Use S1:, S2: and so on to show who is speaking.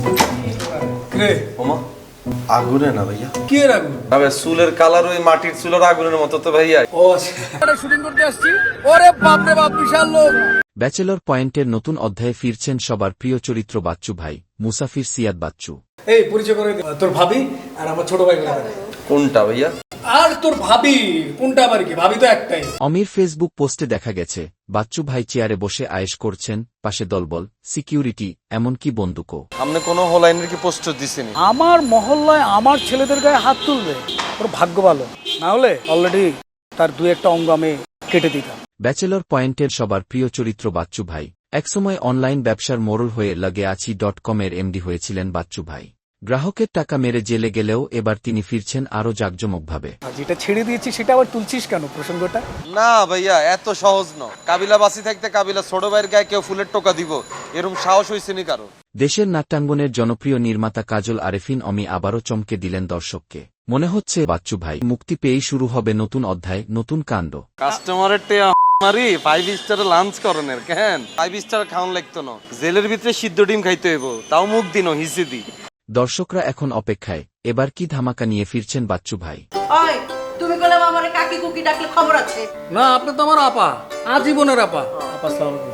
S1: রে
S2: ওমা আগুনে না ভাইয়া,
S1: কে রাখবো?
S2: তবে চুলের কালার ওই মাটির চুলের আগুনের মতো তো ভাইয়া।
S1: ও আচ্ছা, শুটিং করতে আসছি। ওরে বাপ রে বাপ, বিশাল লোক।
S3: ব্যাচেলর পয়েন্টের নতুন অধ্যায়ে ফিরছেন সবার প্রিয় চরিত্র বাচ্চু ভাই, মুসাফির সিয়াদ বাচ্চু।
S1: এই পরিচয় করে দে। তোর ভাবি আর আমার ছোট ভাই বলে।
S2: কোনটা ভাইয়া?
S1: আর তোর ভাবি কোনটা? আবার কি, ভাবি তো একটাই।
S3: অমির ফেসবুক পোস্টে দেখা গেছে বাচ্চু ভাই চেয়ারে বসে আয়েশ করছেন, পাশে দলবল, সিকিউরিটি, এমনকি বন্দুকও।
S2: আপনি কোনো হোলাইনের কি পোস্টার দিছেন?
S1: আমার মহল্লায় আমার ছেলেদের গায়ে হাত তুলবে, ওর ভাগ্য ভালো। না হলে অলরেডি তার দু একটা অঙ্গ আমি কেটে দিতাম।
S3: ব্যাচেলর পয়েন্টের সবার প্রিয় চরিত্র বাচ্চু ভাই একসময় অনলাইন ব্যবসার মোড়ল হয়ে লাগেআছি.com-এর এমডি হয়েছিলেন বাচ্চু ভাই। গ্রাহকের টাকা মেরে জেলে গেলেও এবার তিনি ফিরছেন আরও জাঁকজমকভাবে।
S1: আর যেটা ছেড়ে দিয়েছি সেটা আবার তুলছিস কেন প্রসঙ্গটা?
S2: না ভাইয়া, এত সহজ ন। কাবিলা বাসি থাকতে কাবিলা ছোট ভাইয়ের গায়ে কেউ ফুলের টোকা দিব, এরকম সাহস হয়েছে নি কারো?
S3: দেশের নাট্যাঙ্গনের জনপ্রিয় নির্মাতা কাজল আরেফিন অমি আবারও চমকে দিলেন দর্শককে। মনে হচ্ছে বাচ্চু ভাই মুক্তি পেয়েই শুরু হবে নতুন অধ্যায়, নতুন কাণ্ড।
S2: কাস্টমারের মারি 5 স্টার লাঞ্চ করনের কেন 5 স্টার খাওয়ান লাগতো না, জেলের ভিতরে সিদ্ধ ডিম খাইতে হইব, তাও মুখ দিন হিসে দি।
S3: দর্শকরা এখন অপেক্ষায় এবার কি ধামাকা নিয়ে ফিরছেন বাচ্চু ভাই।
S4: ওই তুমি কইলে আমারে কাকি কুকি ডাকলে খবর আছে?
S1: না, আপনি তো আমার আপা, আজীবনের আপা। আপা আসসালামু আলাইকুম।